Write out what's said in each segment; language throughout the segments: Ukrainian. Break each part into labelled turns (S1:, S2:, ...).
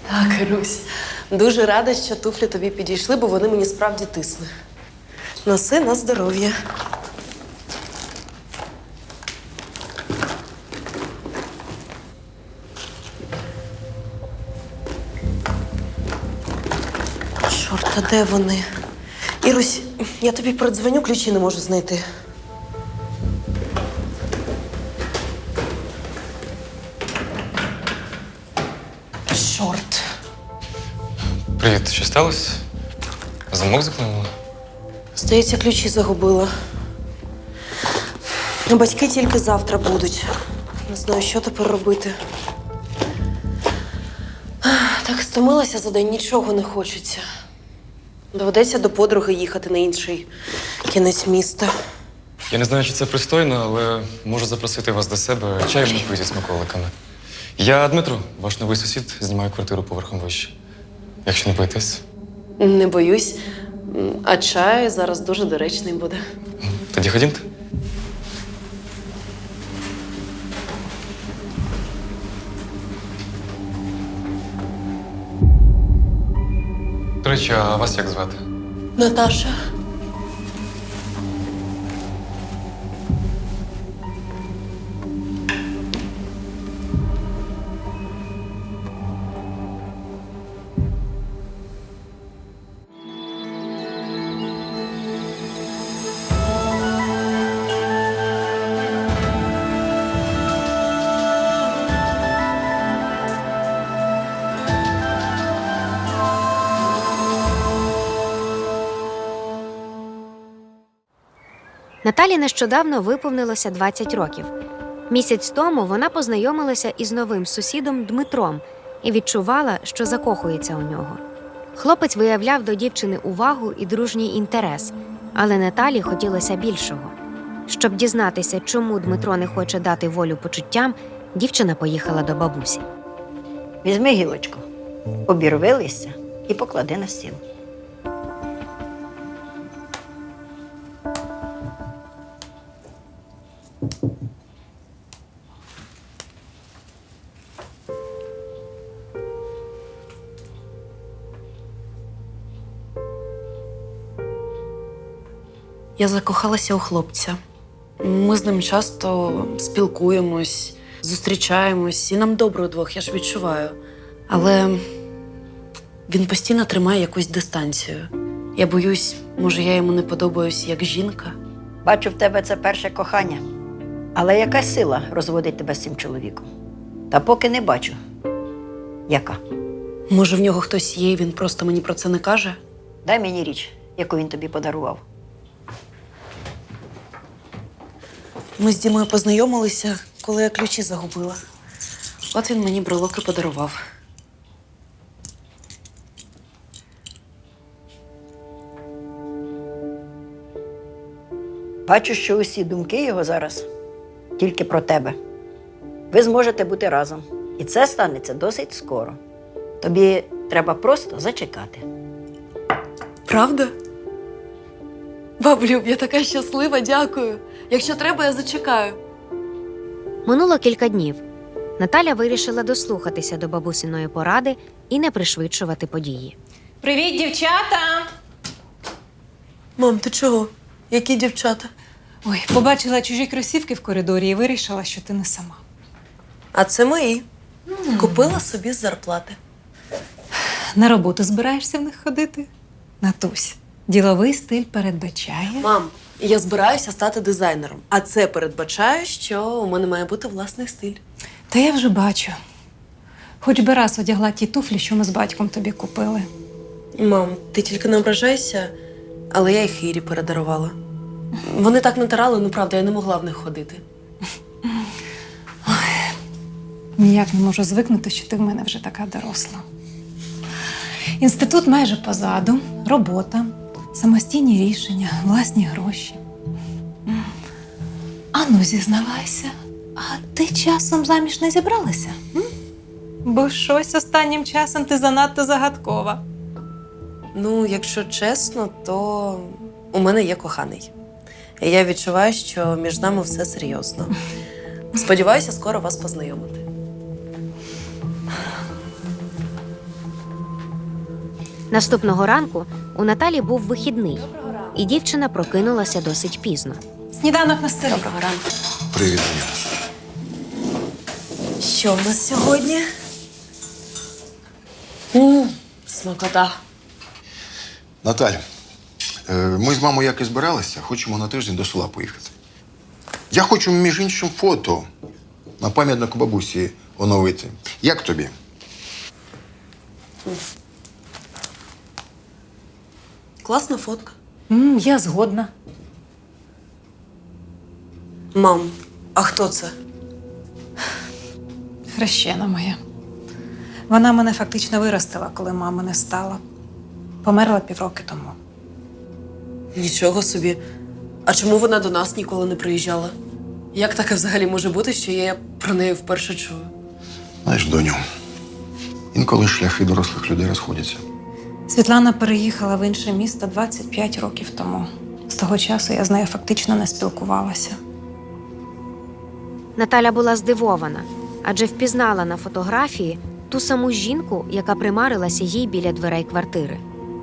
S1: Так, Русь, дуже рада, що туфлі тобі підійшли, бо вони мені справді тисне. Носи на здоров'я. Чорт, а де вони? Ірусь, я тобі передзвоню, ключі не можу знайти. Чорт.
S2: Привіт, що сталося? Замок заклинула?
S1: Здається, ключі загубила. Батьки тільки завтра будуть. Не знаю, що тепер робити. Так стомилася за день, нічого не хочеться. Доведеться до подруги їхати на інший кінець міста.
S2: Я не знаю, чи це пристойно, але можу запросити вас до себе чаєм напити з смаколиками. Я Дмитро, ваш новий сусід, знімаю квартиру поверхом вище. Якщо не боїтесь.
S1: Не боюсь, а чай зараз дуже доречний буде.
S2: Тоді ходімте. До речі, а вас як звати?
S1: Наташа.
S3: Наталі нещодавно виповнилося 20 років. Місяць тому вона познайомилася із новим сусідом Дмитром і відчувала, що закохується у нього. Хлопець виявляв до дівчини увагу і дружній інтерес, але Наталі хотілося більшого. Щоб дізнатися, чому Дмитро не хоче дати волю почуттям, дівчина поїхала до бабусі.
S4: Візьми гілочку, обірви листя і поклади на стіл.
S1: Я закохалася у хлопця. Ми з ним часто спілкуємось, зустрічаємось, і нам добре удвох, я ж відчуваю. Але він постійно тримає якусь дистанцію. Я боюсь, може, я йому не подобаюсь як жінка.
S4: Бачу, в тебе це перше кохання. Але яка сила розводить тебе з цим чоловіком? Та поки не бачу. Яка?
S1: Може, в нього хтось є, і він просто мені про це не каже?
S4: Дай мені річ, яку він тобі подарував.
S1: Ми з Дімою познайомилися, коли я ключі загубила. От він мені брелоки подарував.
S4: Бачу, що усі думки його зараз тільки про тебе. Ви зможете бути разом. І це станеться досить скоро. Тобі треба просто зачекати.
S1: Правда? Баблюб, я така щаслива, дякую. Якщо треба, я зачекаю.
S3: Минуло кілька днів. Наталя вирішила дослухатися до бабусиної поради і не пришвидшувати події.
S5: Привіт, дівчата!
S1: Мам, ти чого? Які дівчата?
S5: Ой, побачила чужі кросівки в коридорі і вирішила, що ти не сама.
S1: А це мої. Купила собі з зарплати.
S5: На роботу збираєшся в них ходити? Натусь, діловий стиль передбачає.
S1: Мам, я збираюся стати дизайнером, а це передбачає, що у мене має бути власний стиль.
S5: Та я вже бачу. Хоч би раз одягла ті туфлі, що ми з батьком тобі купили.
S1: Мам, ти тільки не ображайся, але я їх Ірі передарувала. Вони так натирали, ну правда, я не могла в них ходити.
S5: Ніяк не можу звикнути, що ти в мене вже така доросла. Інститут майже позаду, робота, самостійні рішення, власні гроші. Ану, зізнавайся, а ти часом заміж не зібралася? Бо щось останнім часом ти занадто загадкова.
S1: Ну, якщо чесно, то у мене є коханий. І я відчуваю, що між нами все серйозно. Сподіваюся, скоро вас познайомити.
S3: Наступного ранку у Наталі був вихідний, і дівчина прокинулася досить пізно.
S5: Сніданок на столі.
S1: Доброго ранку.
S6: Привіт, Аня.
S1: Що в нас сьогодні? Смакота.
S6: Наталь, ми з мамою як і збиралися, хочемо на тиждень до села поїхати. Я хочу, між іншим, фото на пам'ятнику бабусі оновити. Як тобі?
S1: Класна фотка.
S5: Я згодна.
S1: Мам, а хто це?
S5: Хрещена моя. Вона мене фактично виростила, коли мами не стало. Померла півроки тому.
S1: Нічого собі. А чому вона до нас ніколи не приїжджала? Як таке взагалі може бути, що я про неї вперше чую?
S6: Знаєш, доню, інколи шляхи дорослих людей розходяться.
S5: Світлана переїхала в інше місто 25 років тому. З того часу я з нею фактично не спілкувалася.
S3: Наталя була здивована, адже впізнала на фотографії ту саму жінку, яка примарилася їй біля дверей квартири.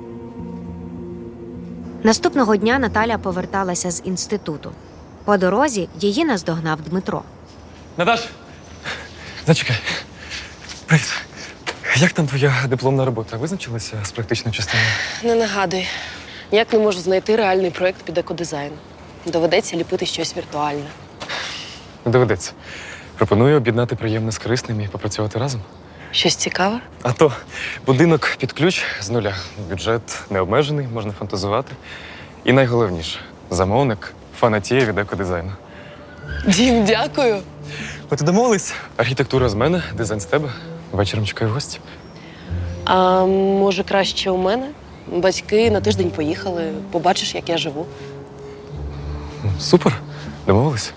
S3: Наступного дня Наталя поверталася з інституту. По дорозі її наздогнав Дмитро.
S2: Наташ, зачекай. Привіт. Як там твоя дипломна робота? Визначилася з практичною частиною?
S1: Не нагадуй. Ніяк не можу знайти реальний проєкт під екодизайн. Доведеться ліпити щось віртуальне.
S2: Не доведеться. Пропоную об'єднати приємне з корисним і попрацювати разом.
S1: Щось цікаве?
S2: А то будинок під ключ з нуля. Бюджет необмежений, можна фантазувати. І найголовніше замовник фанатіє від екодизайну.
S1: Дім, дякую.
S2: От і домовились. Архітектура з мене, дизайн з тебе. Вечором чекаю гості.
S1: А може, краще у мене? Батьки на тиждень поїхали. Побачиш, як я живу.
S2: Супер. Домовились.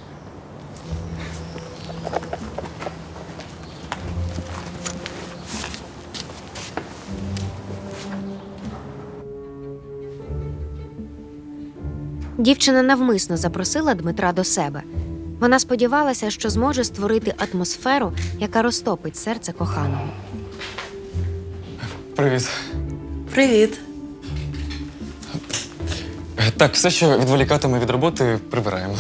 S3: Дівчина навмисно запросила Дмитра до себе. Вона сподівалася, що зможе створити атмосферу, яка розтопить серце коханого.
S2: Привіт.
S1: Привіт.
S2: Так, все, що відволікатиме від роботи, прибираємо.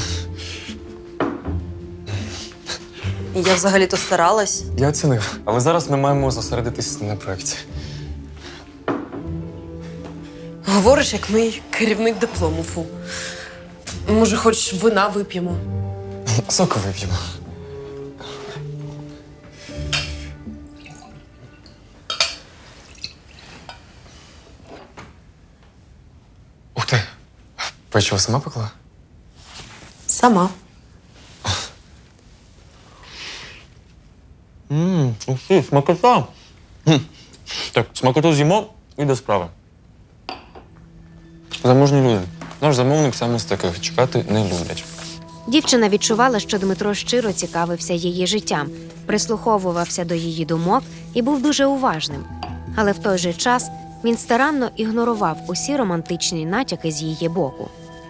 S1: Я взагалі-то старалась.
S2: Я оцінив, але зараз ми маємо зосередитись на проєкті.
S1: Говориш, як мій керівник диплому, фу. Може, хоч вина вип'ємо?
S2: Соку вип'ємо. Ух ти! Печиво сама пекла?
S1: Сама.
S2: Ух ти, смакота! Так, смакоту з'їмо і до справи. Заможні люди. Наш замовник саме з таких чекати не люблять.
S3: Дівчина відчувала, що Дмитро щиро цікавився її життям, прислуховувався до її думок і був дуже уважним. Але в той же час він старанно ігнорував усі романтичні натяки з її боку.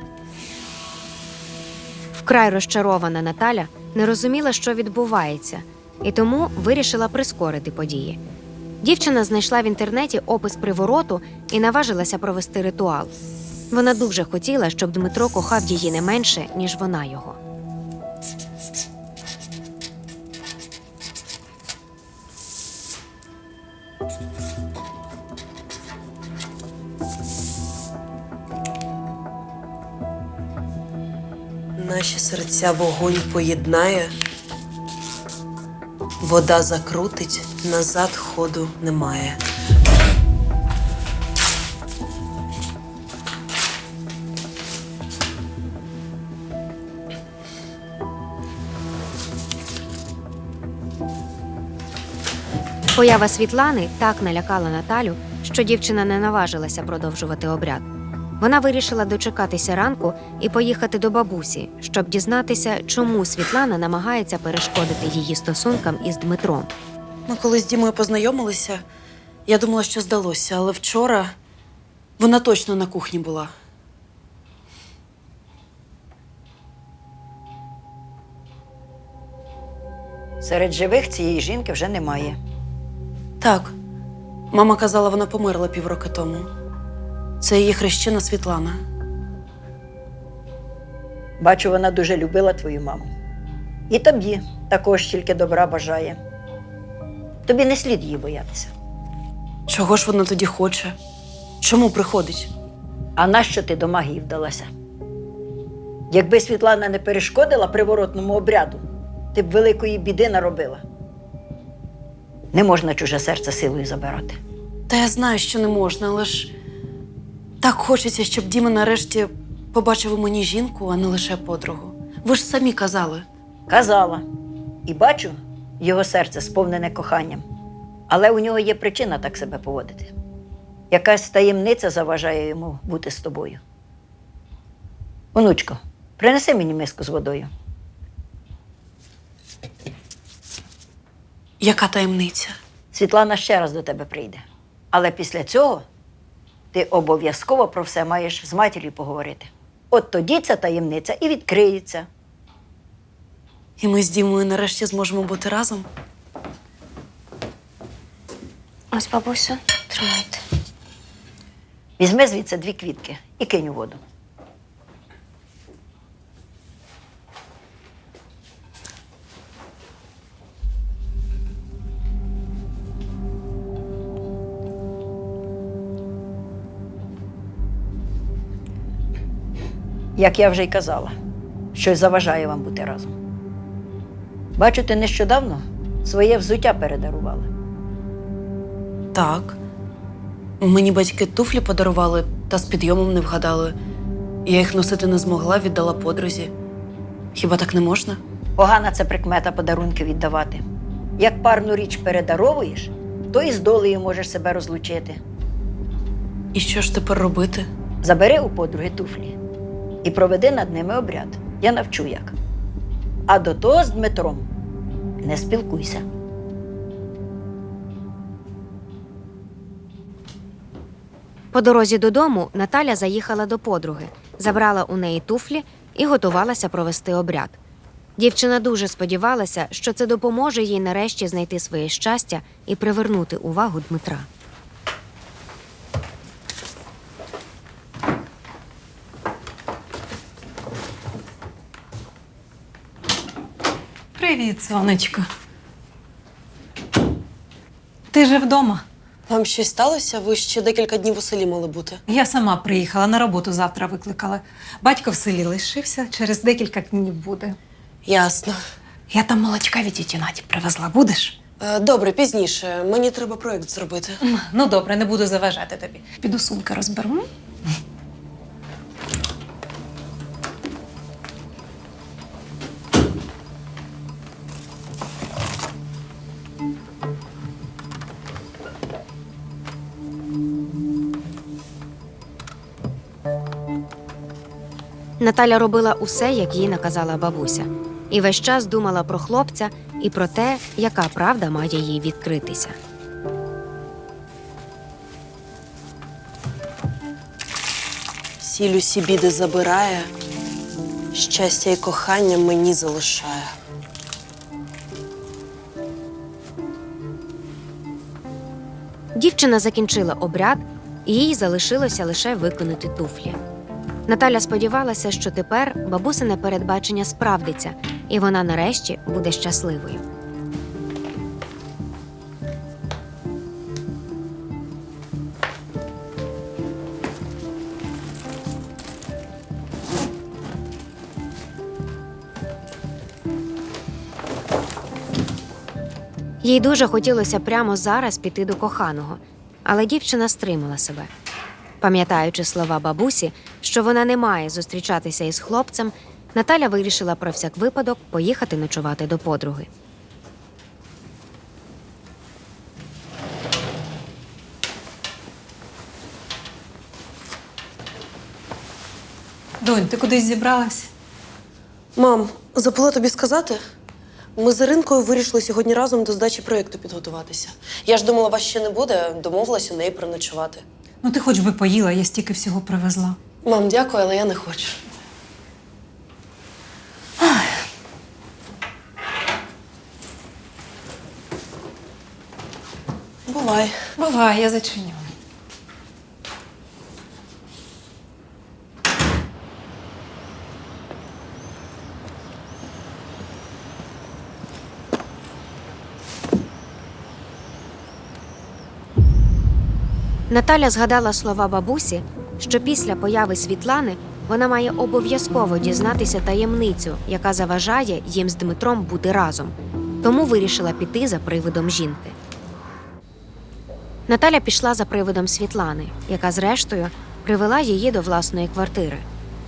S3: Вкрай розчарована Наталя не розуміла, що відбувається, і тому вирішила прискорити події. Дівчина знайшла в інтернеті опис привороту і наважилася провести ритуал. Вона дуже хотіла, щоб Дмитро кохав її не менше, ніж вона його.
S1: Наші серця вогонь поєднає, вода закрутить, назад ходу немає.
S3: Поява Світлани так налякала Наталю, що дівчина не наважилася продовжувати обряд. Вона вирішила дочекатися ранку і поїхати до бабусі, щоб дізнатися, чому Світлана намагається перешкодити її стосункам із Дмитром.
S1: Ми коли з Дімою познайомилися, я думала, що здалося, але вчора вона точно на кухні була.
S4: Серед живих цієї жінки вже немає.
S1: Так, Мама казала, вона померла півроку тому. Це її хрещена Світлана.
S4: Бачу, вона дуже любила твою маму. І тобі також тільки добра бажає. Тобі не слід її боятися.
S1: Чого ж вона тоді хоче? Чому приходить?
S4: А нащо ти до магії вдалася? Якби Світлана не перешкодила приворотному обряду, ти б великої біди наробила. Не можна чуже серце силою забирати.
S1: Та я знаю, що не можна, але ж так хочеться, щоб Діма нарешті побачив у мені жінку, а не лише подругу. Ви ж самі казали.
S4: Казала. І бачу, його серце сповнене коханням. Але у нього є причина так себе поводити. Якась таємниця заважає йому бути з тобою. Онучко, принеси мені миску з водою.
S1: Яка таємниця?
S4: Світлана ще раз до тебе прийде. Але після цього ти обов'язково про все маєш з матір'ю поговорити. От тоді ця таємниця і відкриється.
S1: І ми з Дімою нарешті зможемо бути разом?
S3: Ось, бабусю, тримайте.
S4: Візьми звідси 2 квітки і кинь у воду. Як я вже й казала, щось заважає вам бути разом. Бачу, ти нещодавно своє взуття передарувала.
S1: Так. Мені батьки туфлі подарували, та з підйомом не вгадали. Я їх носити не змогла, віддала подрузі. Хіба так не можна?
S4: Погана це прикмета подарунки віддавати. Як парну річ передаровуєш, то і з долею можеш себе розлучити.
S1: І що ж тепер робити?
S4: Забери у подруги туфлі і проведи над ними обряд. Я навчу як. А до того з Дмитром не спілкуйся.
S3: По дорозі додому Наталя заїхала до подруги, забрала у неї туфлі і готувалася провести обряд. Дівчина дуже сподівалася, що це допоможе їй нарешті знайти своє щастя і привернути увагу Дмитра.
S5: Привіт, сонечко. Ти же вдома?
S1: Вам щось сталося? Ви ще декілька днів у селі мали бути.
S5: Я сама приїхала, на роботу завтра викликала. Батько в селі лишився, через декілька днів буде.
S1: Ясно.
S5: Я там молочка від тіті Наді привезла. Будеш?
S1: Добре, пізніше. Мені треба проєкт зробити.
S5: Ну, добре, не буду заважати тобі. Піду сумки розберу. м?
S3: Наталя робила усе, як їй наказала бабуся. І весь час думала про хлопця і про те, яка правда має їй відкритися.
S7: Сіль усі біди забирає, щастя і кохання мені залишає.
S3: Дівчина закінчила обряд, і їй залишилося лише виконати туфлі. Наталя сподівалася, що тепер бабусине передбачення справдиться, і вона нарешті буде щасливою. Їй дуже хотілося прямо зараз піти до коханого, але дівчина стримала себе. Пам'ятаючи слова бабусі, що вона не має зустрічатися із хлопцем, Наталя вирішила про всяк випадок поїхати ночувати до подруги.
S5: Донь, ти кудись зібралась?
S7: Мам, забула тобі сказати? Ми з Іринкою вирішили сьогодні разом до здачі проєкту підготуватися. Я ж думала, вас ще не буде, домовилась у неї переночувати.
S5: Ну, ти хоч би поїла, я стільки всього привезла.
S7: Мам, дякую, але я не хочу. Бувай.
S5: Бувай, я зачиню.
S3: Наталя згадала слова бабусі, що після появи Світлани вона має обов'язково дізнатися таємницю, яка заважає їм з Дмитром бути разом. Тому вирішила піти за привидом жінки. Наталя пішла за привидом Світлани, яка, зрештою, привела її до власної квартири.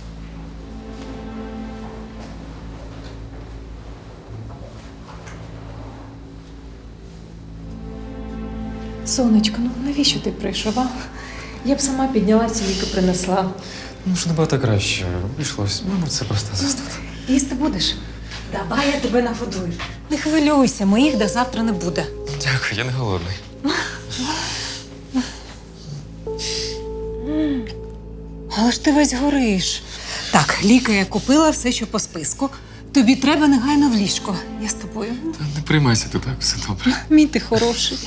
S5: Сонечко, ну навіщо ти прийшов, а? Я б сама піднялася і ліки принесла.
S2: Ну ж набагато краще. Вийшлось. Мабуть, це просто застуд.
S5: Їсти будеш? Давай я тебе нагодую. Не хвилюйся, моїх до завтра не буде.
S2: Дякую, я не голодний.
S5: Але ж ти весь гориш. Так, ліки я купила, все, що по списку. Тобі треба негайно в ліжко. Я з тобою.
S2: Та не приймайся ти так, все добре.
S5: Мій ти хороший.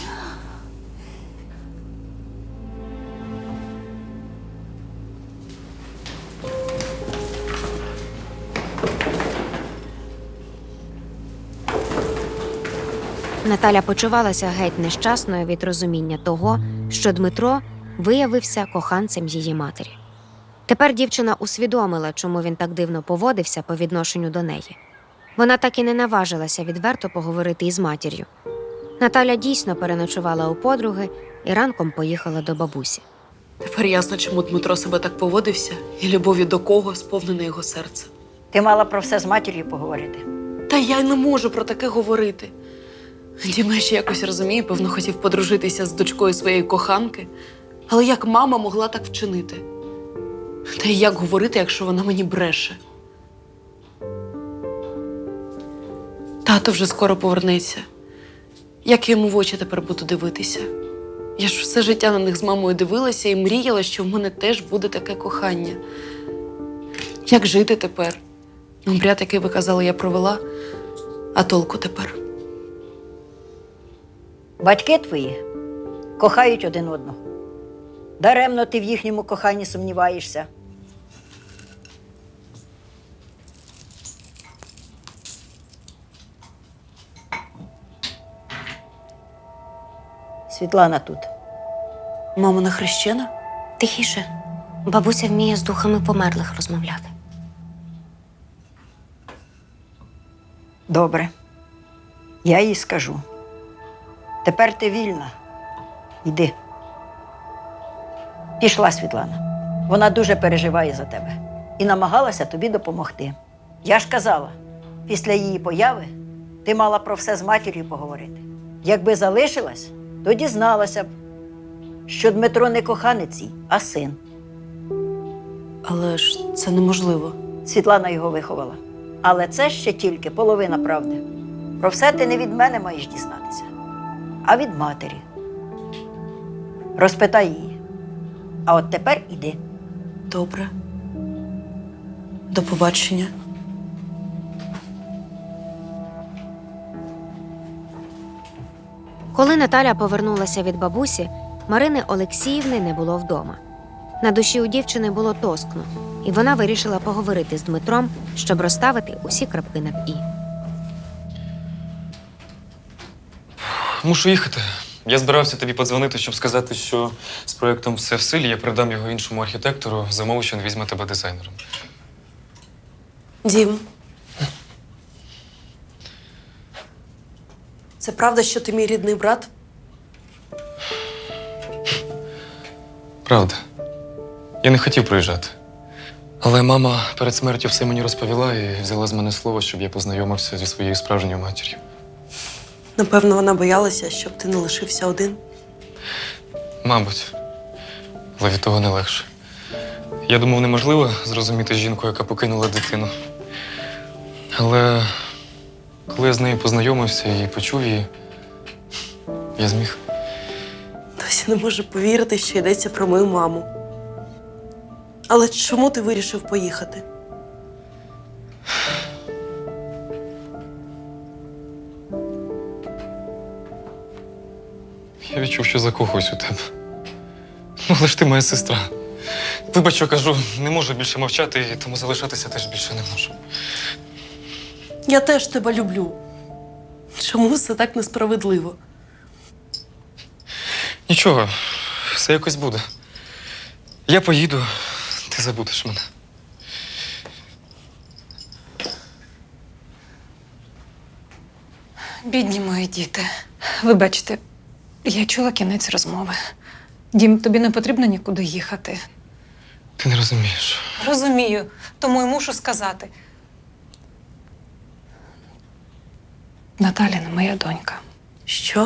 S3: Наталя почувалася геть нещасною від розуміння того, що Дмитро виявився коханцем її матері. Тепер дівчина усвідомила, чому він так дивно поводився по відношенню до неї. Вона так і не наважилася відверто поговорити із матір'ю. Наталя дійсно переночувала у подруги і ранком поїхала до бабусі.
S1: Тепер ясно, чому Дмитро себе так поводився і любов'ю до кого сповнене його серце.
S4: Ти мала про все з матір'ю поговорити.
S1: Та я й не можу про таке говорити. Діма ще якось розуміє, певно, хотів подружитися з дочкою своєї коханки. Але як мама могла так вчинити? Та й як говорити, якщо вона мені бреше? Тато вже скоро повернеться. Як я йому в очі тепер буду дивитися? Я ж все життя на них з мамою дивилася і мріяла, що в мене теж буде таке кохання. Як жити тепер? Обряд, який ви казали, я провела, а толку тепер?
S4: Батьки твої кохають один одного. Даремно ти в їхньому коханні сумніваєшся. Світлана тут.
S1: Мама не хрещена?
S3: Тихіше, бабуся вміє з духами померлих розмовляти.
S4: Добре. Я їй скажу. Тепер ти вільна. Йди. Пішла Світлана. Вона дуже переживає за тебе і намагалася тобі допомогти. Я ж казала, після її появи ти мала про все з матір'ю поговорити. Якби залишилась, то дізналася б, що Дмитро не коханець їй, а син.
S1: Але ж це неможливо.
S4: Світлана його виховала. Але це ще тільки половина правди. Про все ти не від мене маєш дізнатися, а від матері. Розпитай її. А от тепер іди.
S1: Добре. До побачення.
S3: Коли Наталя повернулася від бабусі, Марини Олексіївни не було вдома. На душі у дівчини було тоскно, і вона вирішила поговорити з Дмитром, щоб розставити усі крапки над «і».
S2: Мушу їхати. Я збирався тобі подзвонити, щоб сказати, що з проєктом все в силі, я передам його іншому архітектору, за умови, що він візьме тебе дизайнером.
S7: Дім. Це правда, що ти мій рідний брат?
S2: Правда. Я не хотів приїжджати. Але мама перед смертю все мені розповіла і взяла з мене слово, щоб я познайомився зі своєю справжньою матір'ю.
S7: Напевно, вона боялася, щоб ти не лишився один.
S2: Мабуть. Але від того не легше. Я думав, неможливо зрозуміти жінку, яка покинула дитину. Але коли я з нею познайомився і почув її, я зміг.
S7: Досі не можу повірити, що йдеться про мою маму. Але чому ти вирішив поїхати?
S2: Я відчув, що закохуюсь у тебе. Ну, але ж ти моя сестра. Вибач, що кажу, не можу більше мовчати, і тому залишатися теж більше не можу.
S7: Я теж тебе люблю. Чому все так несправедливо?
S2: Нічого, все якось буде. Я поїду, ти забудеш мене.
S5: Бідні мої діти. Вибачте, я чула кінець розмови. Дім, тобі не потрібно нікуди їхати.
S2: Ти не розумієш.
S5: Розумію, тому й мушу сказати. Наталя не моя донька.
S7: Що?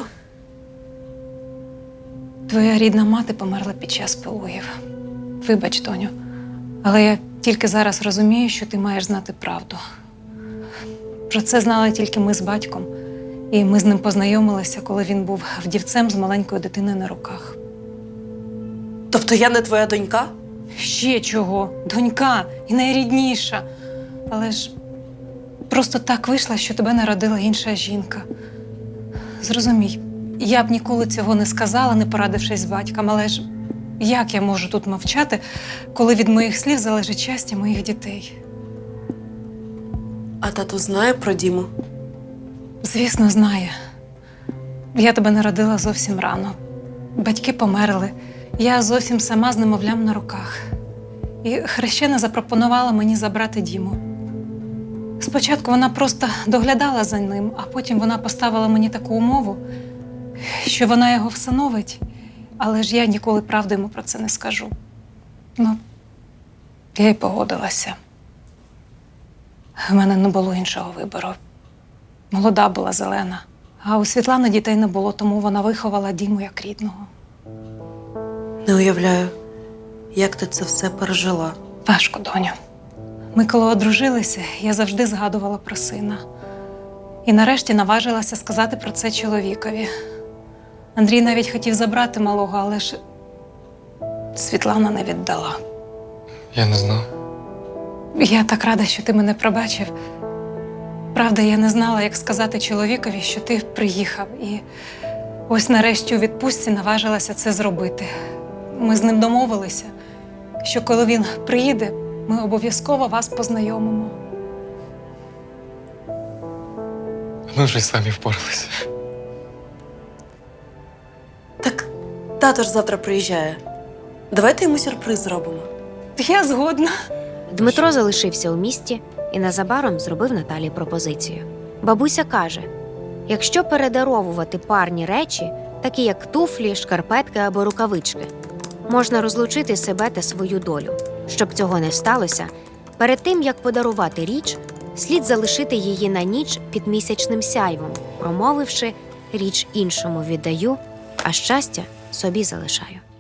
S5: Твоя рідна мати померла під час пологів. Вибач, доню, але я тільки зараз розумію, що ти маєш знати правду. Про це знали тільки ми з батьком, і ми з ним познайомилися, коли він був вдівцем з маленькою дитиною на руках.
S7: Тобто я не твоя донька?
S5: Ще чого? Донька і найрідніша. Але ж просто так вийшло, що тебе народила інша жінка. Зрозумій, я б ніколи цього не сказала, не порадившись з батьком, але ж як я можу тут мовчати, коли від моїх слів залежить щастя моїх дітей?
S7: А тато знає про Діму?
S5: Звісно, знає. Я тебе народила зовсім рано. Батьки померли. Я зовсім сама з немовлям на руках. І хрещена запропонувала мені забрати Діму. Спочатку вона просто доглядала за ним, а потім вона поставила мені таку умову, що вона його всиновить, але ж я ніколи правди йому про це не скажу. Ну, я й погодилася. В мене не було іншого вибору. Молода була, зелена. А у Світлани дітей не було, тому вона виховала Діму як рідного.
S7: Не уявляю, як ти це все пережила.
S5: Важко, доню. Ми коли одружилися, я завжди згадувала про сина. І нарешті наважилася сказати про це чоловікові. Андрій навіть хотів забрати малого, але ж Світлана не віддала.
S2: Я не знав.
S5: Я так рада, що ти мене пробачив. Правда, я не знала, як сказати чоловікові, що ти приїхав. І ось нарешті у відпустці наважилася це зробити. Ми з ним домовилися, що коли він приїде, ми обов'язково вас познайомимо.
S2: Ми вже й самі впоралися.
S7: Так тато ж завтра приїжджає. Давайте йому сюрприз зробимо.
S5: Я згодна.
S3: Дмитро залишився у місті і незабаром зробив Наталі пропозицію. Бабуся каже, якщо передаровувати парні речі, такі як туфлі, шкарпетки або рукавички, можна розлучити себе та свою долю. Щоб цього не сталося, перед тим, як подарувати річ, слід залишити її на ніч під місячним сяйвом, промовивши «річ іншому віддаю, а щастя собі залишаю».